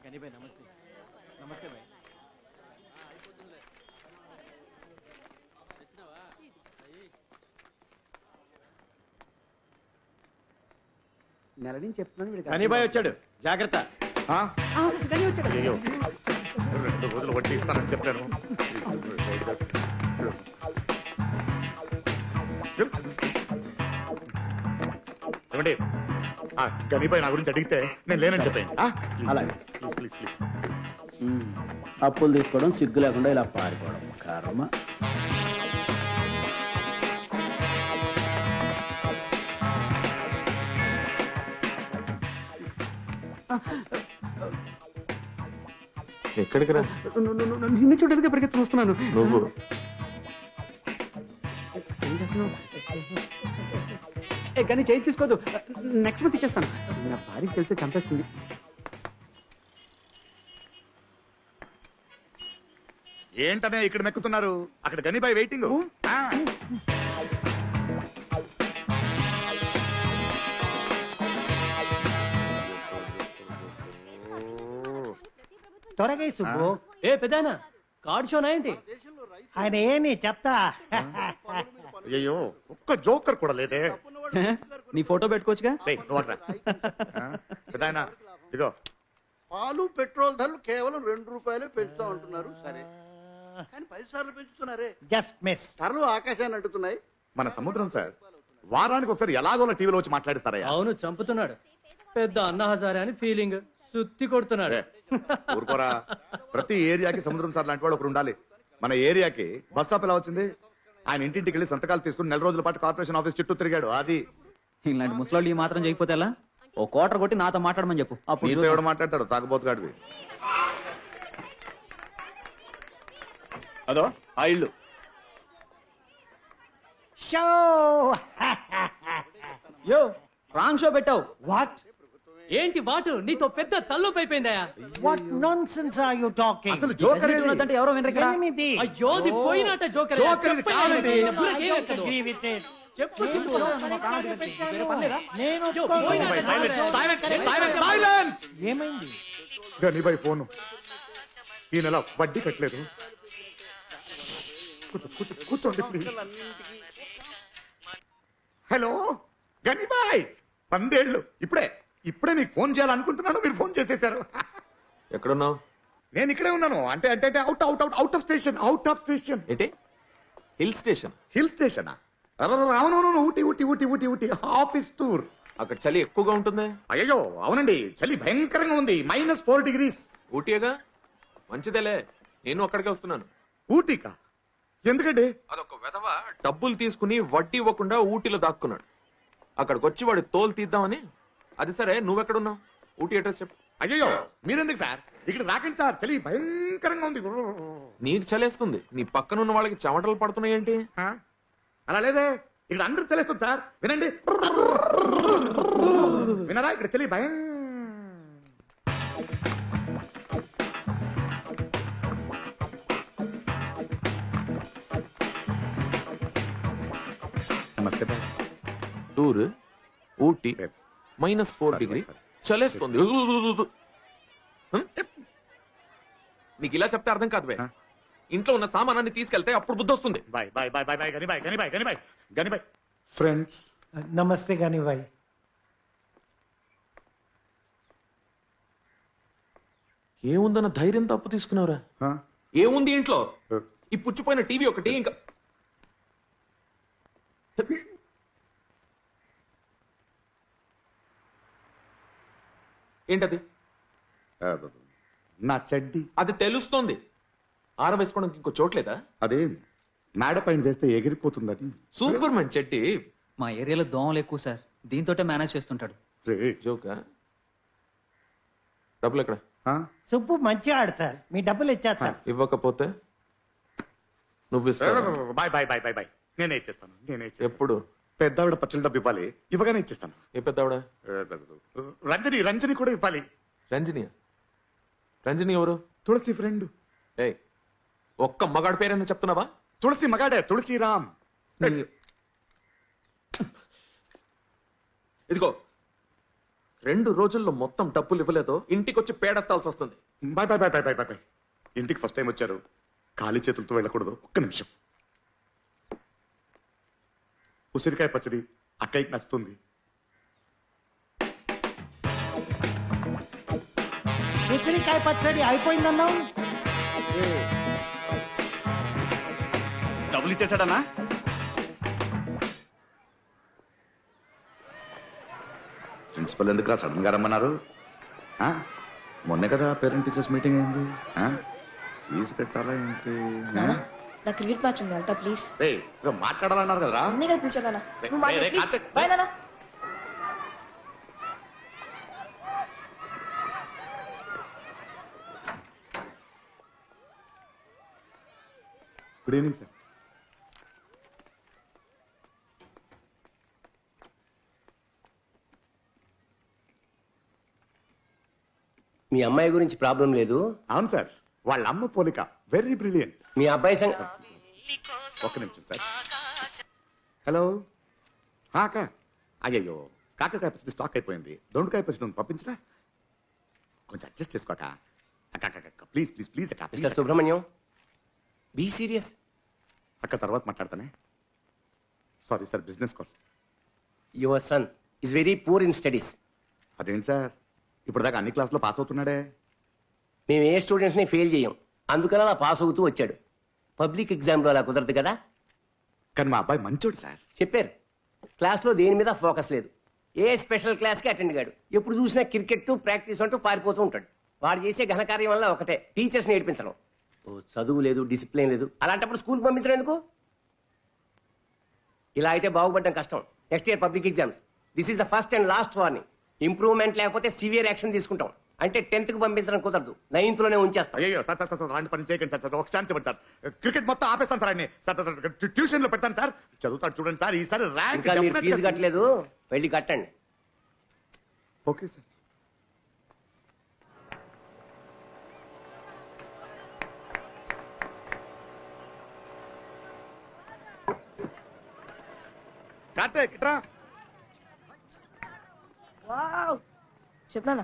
నెల నుంచి చెప్తున్నాను. కనీబాయ్ వచ్చాడు, జాగ్రత్త. అయ్యో 2 రోజులు వడ్డీ ఇస్తానని చెప్పాను. ఏమండి గనీబాయ్ నా గురించి అడిగితే నేను లేనని చెప్పాను. అలాగే. Please please please. అప్పులు తీసుకోవడం సిగ్గు లేకుండా ఇలా పారిపోవడం కర్మ. ఎక్కడికి రా? నిన్ను చూడడానికి పరిగెత్తి చూస్తున్నాను. నువ్వు ఏం చేస్తున్నావు? కానీ చేయి తీసుకోదు. నెక్స్ట్ మంత్ ఇచ్చేస్తాను. నా భార్యకి తెలిస్తే చంపేస్తుంది. ఏంటనే ఇక్కడ మెక్కుతున్నారు? అక్కడ గనీబాయ్ వెయిటింగ్. త్వరగా సుబ్బు. ఏ పెదానా కార్డ్ షోనా ఏంటి? ఆయన ఏమి చెప్తా. అయ్యో ఒక్క జోకర్ కూడా లేదే. నీ ఫోటో పెట్టుకోవచ్చుగా. పెదాయనా ఇదిగో. పాలు పెట్రోల్ ధరలు కేవలం 2 రూపాయలే పెంచుతా ఉంటున్నారు. సరే కానీ 10 సార్లు పెంచుతున్నారే. Just miss. ధరలు ఆకాశాన్ని అంటున్నాయి. మన సముద్రం సార్ వారానికి ఒకసారి ఎలాగోలా టీవీలో వచ్చి మాట్లాడిస్తారయ్యా. అవును, చంపుతున్నాడు. పెద్ద అన్న హజారే అని ఫీలింగ్. సుత్తి కొడుతున్నాడు. ఊరుకోరా. ప్రతి ఏరియాకి సముద్రం సార్ లాంటి వాడు ఒకరు ఉండాలి. మన ఏరియాకి బస్ స్టాప్ ఎలా వచ్చింది? ఆయన ఇంటింటికి వెళ్ళి సంతకాలు తీసుకుని 4 రోజుల పాటు కార్పొరేషన్ ఆఫీస్ చుట్టూ తిరిగాడు. అది ఇలాంటి ముసలాళ్ళు ఈ మాత్రం చేయకపోతే ఎలా? ఓ క్వార్టర్ కొట్టి నాతో మాట్లాడమని చెప్పు. అప్పుడు ఎవడు మాట్లాడతాడు? తాగబోతుగాడివి. అదో ఆ ఇల్లు. షో యో రాంగ్ షో పెట్టావు. వాట్ ఏంటి వాటు? నీతో పెద్ద తల్లోపు అయిపోయిందయా. What nonsense are you talking? అసలు జోకర్ అంటే ఎవరో వినరు. ఎనిమిది. అయ్యో అది పోయినట్ట జోకర్. జోకర్ ఇది కాదండి. Agree with it. చెప్పు నేను ఏమైంది? గనీబాయ్ ఫోను ఈ నెల వడ్డీ కట్టలేదు. కూర్చోండి ప్లీజ్. హలో గనీబాయ్, 12 ఏళ్ళు. ఇప్పుడే మీకు ఫోన్ చేయాలనుకుంటున్నాను. మీరు ఫోన్ చేసేశారు. ఎక్కడున్నావు? నేను ఇక్కడే ఉన్నాను. అంటే అవుట్ ఆఫ్ స్టేషన్. ఏంటి హిల్ స్టేషన్? హిల్ స్టేషనా? అవునవును. Ooty office tour. అక్కడ చలి ఎక్కువగా ఉంటుంది. అయ్యో అవునండి, చలి భయంకరంగా ఉంది. -4 degrees. ఊటీగా మంచిదేలే. నేను అక్కడికే వస్తున్నాను. ఊటీకా? ఎందుకండి? అదొక వెధవ డబ్బులు తీసుకుని వడ్డీ ఇవ్వకుండా ఊటీలో దాక్కున్నాడు. అక్కడికి వచ్చి వాడి తోలు తీద్దామని. అది సరే, నువ్వెక్కడున్నావు? ఊటీ అడ్రస్ చెప్పు. అయ్యో మీరెందుకు సార్ ఇక్కడ రాకండి సార్, చలి భయంకరంగా ఉంది. నీకు చలేస్తుంది, నీ పక్కనున్న వాళ్ళకి చెమటలు పడుతున్నాయి ఏంటి? అలా లేదే, ఇక్కడ అందరూ చలేస్తుంది సార్. వినండి, వినరా? ఇక్కడ చలి భయం. నమస్తే బాయ్. టూర్ ఊటీ -4 degree చలేస్తుంది. నీకు ఇలా చెప్తే అర్థం కాదు. ఇంట్లో ఉన్న సామానాన్ని తీసుకెళ్తే అప్పుడు బుద్ధి వస్తుంది. Bye bye bye bye bye గనిబాయ్ ఫ్రెండ్స్. నమస్తే గనిబాయ్. ఏముందన్న ధైర్యం తప్పు తీసుకున్నావురా? ఏముంది ఇంట్లో? ఈ పుచ్చిపోయిన టీవీ ఒకటి, ఇంకా ఏంటది? నా చెడ్డి. అది తెలుస్తోంది. ఆరవేసుకోవడానికి ఇంకో చోట్లేదా? అదే మేడ పైన వేస్తే ఎగిరిపోతుందని. Super man Chetty. మా ఏరియాలో దోమలు ఎక్కువ సార్, దీంతోటే మేనేజ్ చేస్తుంటాడు. జోకా? డబ్బులు ఎక్కడ? సుబ్బు మంచిగా ఆడు సార్, మీ డబ్బులు ఇచ్చేస్తా. ఇవ్వకపోతే నువ్వు ఇస్తావా? Bye bye bye bye bye నేనే ఇచ్చేస్తాను. ఎప్పుడు? పెద్దావిడ పచ్చల డబ్బు ఇవ్వాలి, ఇవ్వగానే ఇచ్చేస్తాను. ఏ పెద్దావిడ? రంజని కూడా ఇవ్వాలి. రంజని ఎవరు? తులసి ఫ్రెండ్. ఏయ్, ఒక్క మగాడి పేరైనా చెప్తున్నావా? తులసి మగాడే, తులసిరామ్. ఇదిగో 2 రోజుల్లో మొత్తం డబ్బులు ఇవ్వలేదో ఇంటికి వచ్చి పేడెత్తాల్సి వస్తుంది. Bye bye bye bye bye bye. ఇంటికి ఫస్ట్ టైం వచ్చారు, ఖాళీ చేతులతో వెళ్ళకూడదు. ఒక్క నిమిషం. ఉసిరికాయ పచ్చడి అక్కయ్యకి నచ్చుతుంది. ఉసిరికాయ పచ్చడి అయిపోయిందన్నావు. డబ్బులు ఇచ్చేసాడన్నా? ప్రిన్సిపల్ ఎందుకు సడన్ గా రమ్మన్నారు? మొన్నే కదా పేరెంట్ టీచర్స్ మీటింగ్ అయింది. ఫీజు కట్టాలా ఏంటి? నా క్రికెట్ మ్యాచ్ ఉంది వెళ్తా ప్లీజ్. మాట్లాడాలన్నారు కదరా. అన్నీ కదా పిలిచాను నువ్వు రేయ్, రేయ్, ప్లీజ్ కార్తీక్, బాయ్ నాన్న. Good evening sir. మీ అమ్మాయి గురించి ప్రాబ్లం లేదు. అవును సార్, వాళ్ళ అమ్మ పోలిక వెరీ బ్రిలియంట్. మీ అబ్బాయి ఒక్క నిమిషం సార్. హలో అక్క. అయ్యయ్యో, కాకరకాయ పచ్చడి స్టాక్ అయిపోయింది. దొండకాయ పచ్చడి పంపించరా? కొంచెం అడ్జస్ట్ చేసుకోక. అక్క ప్లీజ్ ప్లీజ్ ప్లీజ్ అక్క. Mister Subrahmanyam, be serious. అక్క తర్వాత మాట్లాడతానే. Sorry sir, business call. Your son is very poor in studies. అదేంటి సార్, ఇప్పుడు దాకా అన్ని క్లాసులో పాస్ అవుతున్నాడే. మేము ఏ స్టూడెంట్స్ని ఫెయిల్ చేయం, అందుకని అలా పాస్ అవుతూ వచ్చాడు. పబ్లిక్ ఎగ్జామ్లో అలా కుదరదు కదా. కానీ మా అబ్బాయి మంచోడు సార్. చెప్పారు, క్లాస్లో దేని మీద ఫోకస్ లేదు. ఏ స్పెషల్ క్లాస్కి అటెండ్ కాడు. ఎప్పుడు చూసినా క్రికెట్ ప్రాక్టీస్ అంటూ పారిపోతూ ఉంటాడు. వాడు చేసే ఘనకార్యం వల్ల ఒకటే, టీచర్స్ని ఏడిపించడం. చదువు లేదు, డిసిప్లిన్ లేదు. అలాంటప్పుడు స్కూల్కి పంపించడం ఎందుకు? ఇలా అయితే బాగుపడడం కష్టం. Next year public exams. This is the first and last warning. Improvement లేకపోతే సివియర్ యాక్షన్ తీసుకుంటాం. అంటే 10th కి పంపించడం కుదరదు, 9th లోనే ఉంచేస్తాం. అయ్యో సార్ సార్ సార్ అలాంటి పని చేయకండి సార్. ఒక ఛాన్స్ ఇవ్వండి సార్. క్రికెట్ మొత్తం ఆపేస్తాను సార్. సార్ ట్యూషన్ లో పెడతాను సార్. చదువుతాడు చూడండి సార్. ఈసారి ర్యాంక్. ఇంకా మీరు ఫీజు కట్టలేదు, వెళ్ళి కట్టండి. Okay sir. కార్తీక్ ఇట్రా. వావ్ చెప్పనా?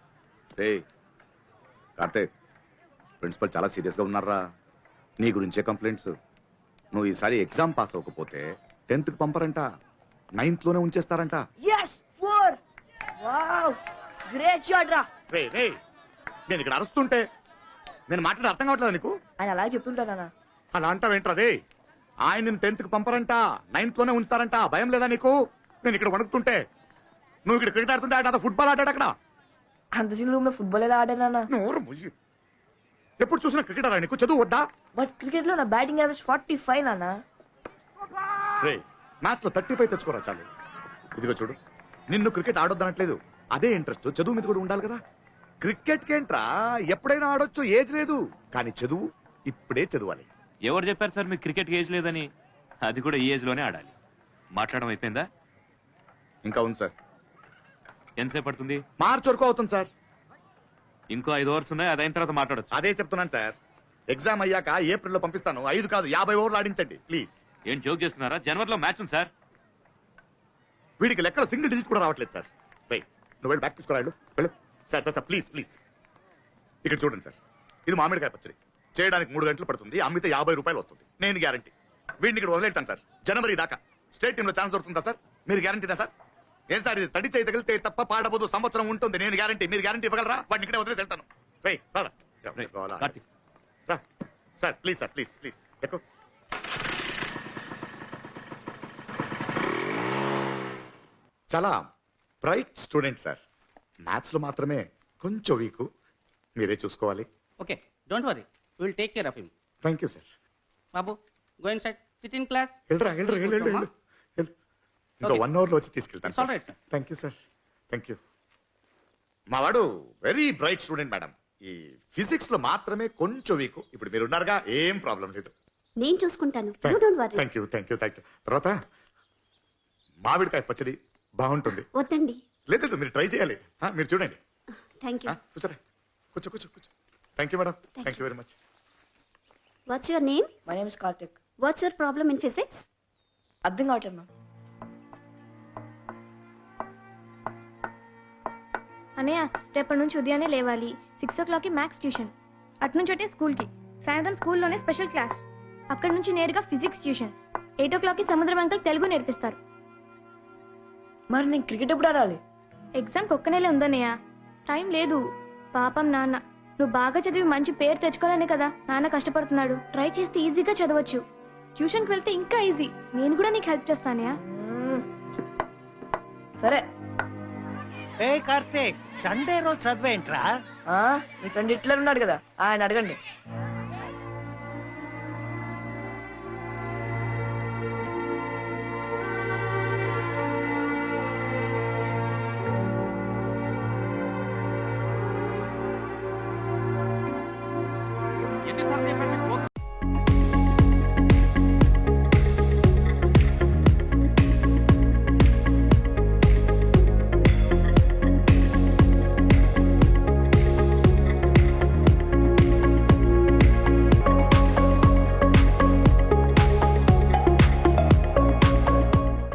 కార్తీక్, ప్రిన్సిపల్ చాలా సీరియస్ గా ఉన్నారా? నీ గురించే కంప్లైంట్స్. నువ్వు ఈసారి ఎగ్జామ్ పాస్ అవ్వకపోతే 10th కి పంపరంట, 9th లోనే ఉంచేస్తారంట. yes 4 వావ్ గ్రేట్ షాట్ రా. రే రే, నేను ఇక్కడ అరుస్తుంటే నేను మాట్లాడే అర్థం కావట్లేదు నీకు? ఆయన అలా చెప్తుంటానా? అలా అంటావేంట్రా రే? ఆయన నేను 10th కి పంపరంట, 9th లోనే ఉంచుతారంట. భయం లేదా నీకు? నేను ఇక్కడ వణుకుతుంటే, నువ్వు ఇక్కడ క్రికెట్ ఆడుతుంటే ఆయన ఫుట్బాల్ ఆడాడు అక్కడ. అంత చిన్న రూమ్ లో ఫుట్బాల్ ఎలా ఆడానా? నోరు ముయ్యి. ఎప్పుడు చూసినా క్రికెట్ ఆడా నీకు? చదువు వద్దా? బట్ క్రికెట్ లో నా బ్యాటింగ్ యావరేజ్ 45 నానా. రే, మ్యాచ్ లో 35 తెచ్చుకోరా చాలు. ఇదిగో చూడు, నిన్ను క్రికెట్ ఆడొద్దనట్లేదు. అదే ఇంట్రెస్ట్ చదువు మీద కూడా ఉండాలి కదా. క్రికెట్ కేంట్రా, ఎప్పుడైనా ఆడొచ్చు, ఏజ్ లేదు. కానీ చదువు ఇప్పుడే చదవాలి. ఎవరు చెప్పారు సార్ మీకు క్రికెట్ ఏజ్ లేదని? అది కూడా ఈ ఏజ్ లోనే ఆడాలి. మాట్లాడడం అయిపోయిందా? ఇంకా ఉంది సార్. ఎంతసేపు పడుతుంది? మార్చ్ వరకు అవుతుంది సార్. ఇంకో 5 ఓవర్స్ ఉన్నాయి, అదైన తర్వాత మాట్లాడొచ్చు. అదే చెప్తున్నాను సార్. ఎగ్జామ్ అయ్యాక ఏప్రిల్లో పంపిస్తాను. 5 కాదు 50 ఓవర్లు ఆడించండి ప్లీజ్. ఏం జోక్ చేస్తున్నారా? జనవరిలో మ్యాచ్ ఉంది సార్. వీడికి లెక్కలో సింగిల్ డిజిట్ కూడా రావట్లేదు సార్. రైట్, నువ్వు వెళ్ళి బ్యాక్ తీసుకురాడు. వెళ్ళు sir. Sir sir please please. ఇక్కడ చూడండి సార్, ఇది మామిడికాయ పచ్చడి. చేయడానికి 3 గంటలు పడుతుంది, అమ్మితే 50 రూపాయలు వస్తుంది. నేను గ్యారంటీ. వీడిని ఇక్కడ వదిలేటాను సార్. జనవరి దాకా స్టేట్ టీమ్ లో ఛాన్స్ దొరుకుతుందా సార్? మీరు గ్యారంటీనా సార్? ఏం సార్, ఇది తడి చేయి తగిలితే తప్ప పాడబోదు, సంవత్సరం ఉంటుంది. నేను గ్యారంటీ. మీరు గ్యారంటీ ఇవ్వగలరా? వాడిని ఇక్కడే వదిలేసి వెళ్తాను. రైట్ కార్తీక్. రా sir, please sir, please please ఎక్కువ. చాలా బ్రైట్ స్టూడెంట్ సార్. మ్యాథ్స్ లో మాత్రమే కొంచెం వీక్. మీరే చూసుకోవాలి. Okay, don't worry, will take care of him. Thank you sir. బాబు, go inside, sit in class. వెళ్ళరా వెళ్ళరా వెళ్ళు. ఇంకా 1 అవర్ లో వచ్చి తీసుకెళ్తాను It's all right, sir. Thank you sir. Thank you. మా వాడు వెరీ బ్రైట్ స్టూడెంట్ మేడం. ఈ ఫిజిక్స్ లో మాత్రమే కొంచెం వీక్. ఇప్పుడు మీరు ఉన్నారుగా, ఏం ప్రాబ్లం లేదు. నేను చూసుకుంటాను. Thank you thank you thank you. తర్వాత మామిడికాయ పచ్చడి బాగుంటుంది. వద్దండి. లేదు, మీరు ట్రై చేయాలి. మీరు చూడండి. Thank you. కూర్చోరా, కూర్చో కూర్చో కూర్చో. Thank you madam. Thank you very much. What's your name? My name is Karthik. What's your problem in physics? అర్థం కావట్లేదు మ్యామ్. అన్నయ్య రేపటి నుంచి ఉదయాన్నే లేవాలి. 6 o'clockకి మ్యాథ్స్ ట్యూషన్, అటు నుంచి అంటే స్కూల్కి, సాయంత్రం స్కూల్లోనే స్పెషల్ క్లాస్, అక్కడి నుంచి నేరుగా ఫిజిక్స్ ట్యూషన్, 8 o'clockకి సముద్రం అంకల్ తెలుగు నేర్పిస్తారు. మరి నేను క్రికెట్ ఎప్పుడు ఆడాలి? ఎగ్జామ్కి ఒక్క నెలే ఉందన్నయ్య, టైం లేదు. పాపం నాన్న, నువ్వు బాగా చదివి మంచి పేరు తెచ్చుకోవాలనే కదా నాన్న కష్టపడుతున్నాడు. ట్రై చేస్తే ఈజీగా చదవచ్చు. ట్యూషన్కి వెళ్తే ఇంకా ఈజీ. నేను కూడా నీకు హెల్ప్ చేస్తానయ్యా. సరే. ఏ కార్తీక్, సండే రోజు చదివేంట్రా? మీ ఫ్రెండ్ హిట్లర్ ఉన్నాడు కదా, ఆయన అడగండి. ఎన్నిసార్లు చెప్పాను మీకు